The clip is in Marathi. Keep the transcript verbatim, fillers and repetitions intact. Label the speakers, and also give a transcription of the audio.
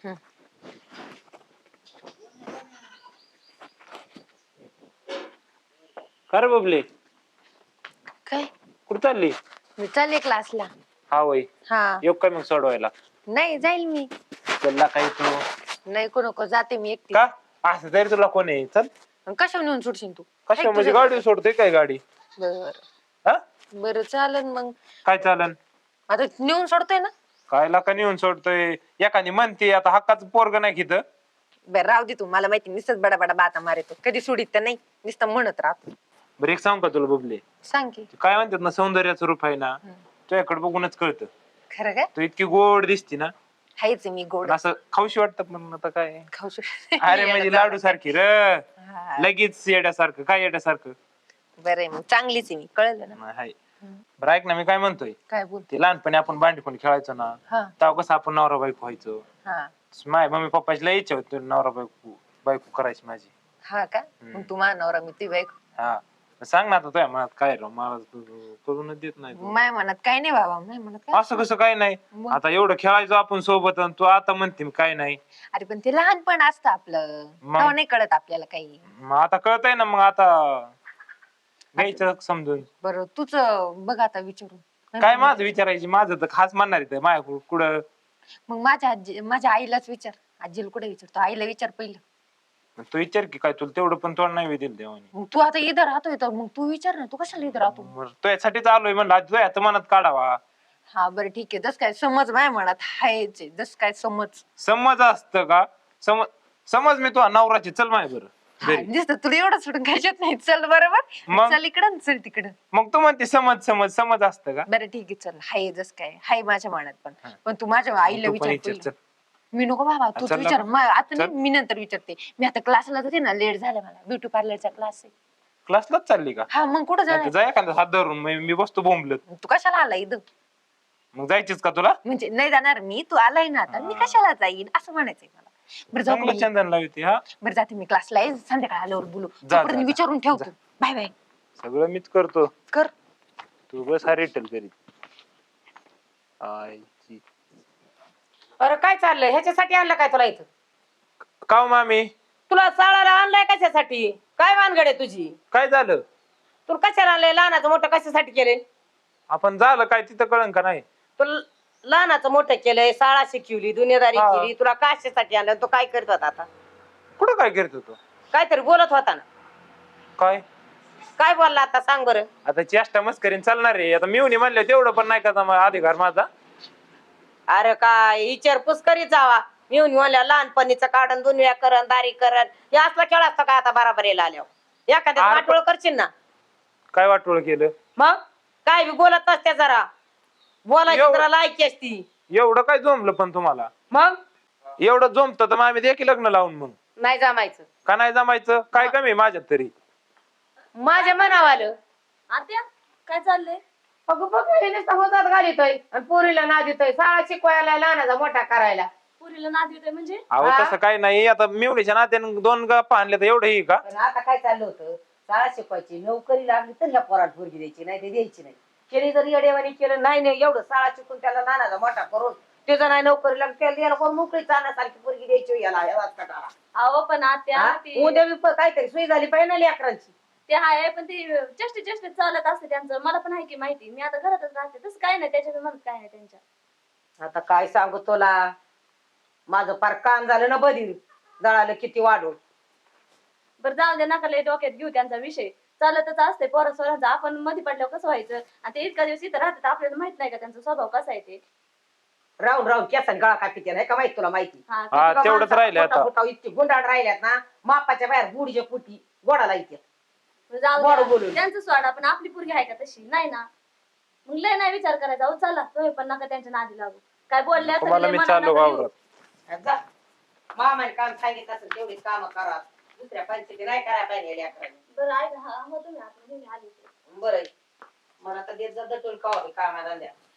Speaker 1: हं.
Speaker 2: कर बबले
Speaker 1: काय
Speaker 2: कुठं चालली?
Speaker 1: मी चालले क्लासला.
Speaker 2: हा वय
Speaker 1: हा
Speaker 2: येऊ काय मग सोडवायला?
Speaker 1: नाही जाईल मी.
Speaker 2: चलला काही तू
Speaker 1: नाही को नको जाते मी एकटी.
Speaker 2: का असं तरी तुला कोण आहे? चल.
Speaker 1: कशावर नेऊन सोडशील तू?
Speaker 2: कशा म्हणजे गाडी सोडतोय काय गाडी?
Speaker 1: बर
Speaker 2: हा
Speaker 1: बर चालन मग.
Speaker 2: काय चालन?
Speaker 1: आता नेऊन सोडतोय ना.
Speaker 2: काय लाका नेऊन सोडतोय? एखादी म्हणते आता हक्काचं पोरग नाही घेत.
Speaker 1: बर राहू दे तू, मला माहिती नुसतंच बडा बडा बाता मारतो, कधी सोडित तर नाही, नुसतं म्हणत राहतो.
Speaker 2: बरं एक सांग का तुला बबले?
Speaker 1: सांग की.
Speaker 2: काय म्हणतात ना सौंदर्याचं रूप आहे ना, तुझ्याकडे बघूनच कळतं.
Speaker 1: खरं काय?
Speaker 2: तू इतकी गोड दिसती ना,
Speaker 1: हायच मी गोड.
Speaker 2: असं खाऊशी वाटतं. पण आता काय
Speaker 1: खाऊ शकते.
Speaker 2: अरे म्हणजे लाडू सारखी र लगेच येड्यासारखं. काय येड्यासारखं?
Speaker 1: बरं आहे मग, चांगलीच आहे मी, कळलं ना.
Speaker 2: हाय. बरं ऐक ना, मी काय म्हणतोय,
Speaker 1: काय बोल.
Speaker 2: ते लहानपणी आपण भांडीपण खेळायचो ना,
Speaker 1: हा
Speaker 2: तेव्हा कसं आपण नवरा बायको व्हायचो.
Speaker 1: हा
Speaker 2: माझ्या मम्मी पप्पाची लय इच्छा होती नवरा बायको बायको करायची माझी.
Speaker 1: हा का? मग तू मानवरा मी ती बायको.
Speaker 2: हा सांग ना आता तुझ्या मनात काय राव, मला तू करूनच देत नाही तू.
Speaker 1: माय मनात काय नाही बाबा, माय मनात काय.
Speaker 2: असं कसं काय नाही?
Speaker 1: मग?
Speaker 2: आता एवढं खेळायचो आपण सोबत आणि तू आता म्हणते काय नाही.
Speaker 1: अरे पण ते लहानपण असतं आपलं,
Speaker 2: मग?
Speaker 1: तेव्हा नाही कळत आपल्याला काही.
Speaker 2: मग आता कळतंय ना, मग आता घ्यायचं समजून.
Speaker 1: बरं तुझ बघ आता विचारून.
Speaker 2: काय माझं विचारायची? माझं तर खास म्हणणार आहे माझ्या कुठं.
Speaker 1: मग माझ्या आजी माझ्या आईलाच विचार. आजीला कुठे विचारतो, आईला विचार पहिलं.
Speaker 2: तू विचार की, काय तुला तेवढं पण तोंड नाही दिलं देवाने.
Speaker 1: मग तू आता इथं राहतोय तर मग तू विचार ना, तू कशाला इथं राहतो?
Speaker 2: मग तुझ्यासाठीच आलोय म्हणलं, तुझ्या हात मनात काढावा.
Speaker 1: हा बरं ठीक आहे, जस काय समज माझ्या मनात हायच आहे, जस काय समज.
Speaker 2: समज असतं का? समज समज मी तुझा नवराची. चल माय बरं
Speaker 1: हा,
Speaker 2: घरी.
Speaker 1: दिसतं तुला एवढं सोडून घ्यायच्यात नाही. चल बरोबर,
Speaker 2: मग?
Speaker 1: चल इकडं चल तिकडं.
Speaker 2: मग तू म्हणते समज समज समज असतं का?
Speaker 1: बरं ठीक आहे चल, हाय जस काय हाय माझ्या मनात पण.
Speaker 2: हा.
Speaker 1: पण तू माझ्या आईला
Speaker 2: तू पण
Speaker 1: विचार
Speaker 2: विचार,
Speaker 1: पहिलं.
Speaker 2: चल.
Speaker 1: मी नको बाबा, तूच
Speaker 2: चल
Speaker 1: विचार.
Speaker 2: ना.
Speaker 1: मा- आता नाही,
Speaker 2: चल.
Speaker 1: मी नंतर विचारते. मी आता क्लासला जाते ना, लेट झालं मला, ब्युटी पार्लरचा क्लास आहे.
Speaker 2: क्लासलाच चालली का?
Speaker 1: हा मग कुठं
Speaker 2: नाही तर
Speaker 1: जाणार?
Speaker 2: जा एखादा हात धरून, मी मी बसतो बोंबलत.
Speaker 1: तू कशाला आला इथं?
Speaker 2: मग जायचीच का तुला?
Speaker 1: म्हणजे नाही जाणार मी, तू आलाय ना आता, मी कशाला जाईन असं म्हणायचंय मला. बरं जाऊ का
Speaker 2: चांगलं
Speaker 1: मी?
Speaker 2: चंदन लावते. हा
Speaker 1: बरं जाते मी क्लासला, आहे संध्याकाळ आल्यावर बोलू.
Speaker 2: जा,
Speaker 1: तोपर्यंत
Speaker 2: जा.
Speaker 1: विचारून ठेवतो. Bye bye.
Speaker 2: सगळं मीच करतो.
Speaker 1: कर.
Speaker 2: तू बस हा रिटल करीत. आईची
Speaker 3: अरे काय चाललंय? ह्याच्यासाठी आणलं काय तुला इथं?
Speaker 2: का हो मामी?
Speaker 3: तुला चाळायला आणलाय कशासाठी? काय भानगड आहे तुझी?
Speaker 2: काय झालं?
Speaker 3: तुला कशाला आणलंय? लहानाचं मोठं कशासाठी केलंय?
Speaker 2: आपण झालं काय तिथं कळन का नाही?
Speaker 3: तुला लहानाचं मोठं केलंय, शाळा शिकवली, दुनियादारी
Speaker 2: हा.
Speaker 3: केली, तुला कशासाठी आणलं? तो काय करत होता आता?
Speaker 2: कुठं काय करत होतो?
Speaker 3: काहीतरी बोलत होता ना.
Speaker 2: काय
Speaker 3: काय बोलला आता सांग बरं?
Speaker 2: आता चेष्टा मस्करीन चालणार आहे. आता मिवणी म्हणलं तेवढं पण नाही का मा- अधिकार माझा.
Speaker 3: अरे काय विचारपूस करीत जावा. मी म्हणल्या लहानपणीचं काढण, दुनिया करण, दारी करण, हे असला खेळ असतो काय आता बराबर यायला आल्यावर? एखाद्या
Speaker 2: अरे
Speaker 3: वाटोळ करशील ना.
Speaker 2: काय वाटोळ केलं?
Speaker 3: मग काय बी बोलत असते जरा, बोलायची
Speaker 2: एवढं-
Speaker 3: जरा लायकी असती.
Speaker 2: एवढं काय जमलं पण तुम्हाला?
Speaker 3: मग
Speaker 2: एवढं जमतं तर मग आम्ही देखील लग्न लावून मग
Speaker 3: नाही जमायचं.
Speaker 2: का नाही जमायचं? काय कमी आहे माझ्यात तरी?
Speaker 3: माझ्या मनावर आलं.
Speaker 4: आत्या काय चाललंय?
Speaker 3: अगं बघ हे नुसतं होतात घालितोय आणि पोरीला ना देतोय, शाळा शिकवायला, लहानाचा मोठा करायला.
Speaker 4: पुरीला नाद येतोय म्हणजे?
Speaker 2: अहो
Speaker 3: हा?
Speaker 2: तसं काय नाही. आता मिवणीच्या नात्याने दोन गप्पा आणले तर एवढं ही का?
Speaker 3: पण आता काय चाललं होतं, शाळा शिकवायची, नोकरी लागली तर ह्या पोरात पोरगी द्यायची, नाही ते द्यायची नाही. केली जर येडेवानी केलं नाही नाही एवढं शाळा शिकून त्याला लहानाचा मोठा करून त्याचा नाही नोकरी लागली, त्याला याला कोण मोकळी चालण्यासारखी पोरगी द्यायची याला या वाचकाटाला.
Speaker 4: अहो पण आत्या
Speaker 3: हा?
Speaker 4: ते
Speaker 3: उद्या बी प- काहीतरी सोय झाली पाहिजे ना लेकरांची.
Speaker 4: ते आहे, पण ते चेष्टे चेष्टे चालत असते त्यांचं. मला पण आहे की माहिती, मी आता घरातच राहते, तसं काय नाही त्याच्यात, म्हणत काय नाही त्यांच्या.
Speaker 3: आता काय सांगू तुला, माझं पार कान झालं ना बधीर, जळालं किती वाढून.
Speaker 4: बरं जाऊ दे, नका लय डोक्यात घेऊ त्यांचा विषय. चालतच असते पोरा सोरांचा, आपण मध्ये पडल्यावर कसं व्हायचं? आणि ते इतका दिवस इथं राहतात, आपल्याला माहित नाही का त्यांचा स्वभाव कसा आहे ते?
Speaker 3: राहून राहून केसन गळा कापिते नाही का माहित तुला माहिती?
Speaker 4: हा
Speaker 2: हा
Speaker 3: तुला
Speaker 2: तेवढंच
Speaker 3: माणसाचा
Speaker 2: राहिलं
Speaker 3: पोटा
Speaker 2: आता.
Speaker 3: फुटाव इतकी गुंडाळ राहिल्यात ना, मापाच्या बाहेर गुडीच्या पुटी गोडाला येते.
Speaker 4: जाऊ
Speaker 3: गोड
Speaker 4: दे,
Speaker 3: बोलून.
Speaker 4: त्यांचं सोडा, पण आपली पोरगी आहे का तशी? नाही ना. मग लय नाही विचार करायचा. अहो चला, तुम्ही पण नका त्यांच्या नादी लागू. काय बोलल्या तर
Speaker 2: तुम्हाला
Speaker 4: लय
Speaker 2: मी
Speaker 4: मनात
Speaker 2: चाललो
Speaker 4: नका घेऊ.
Speaker 2: वावरात.
Speaker 3: जा मामाने काम सांगितलं असेल तेवढीच काम करा, दुसऱ्या पंचायती नाही करायला पाहिजे लेकरांनी.
Speaker 4: बरं ऐका, हा मग तुम्ही आता, मी आली.
Speaker 3: बरं मला तर देत जा दटून का कामा धंद्या.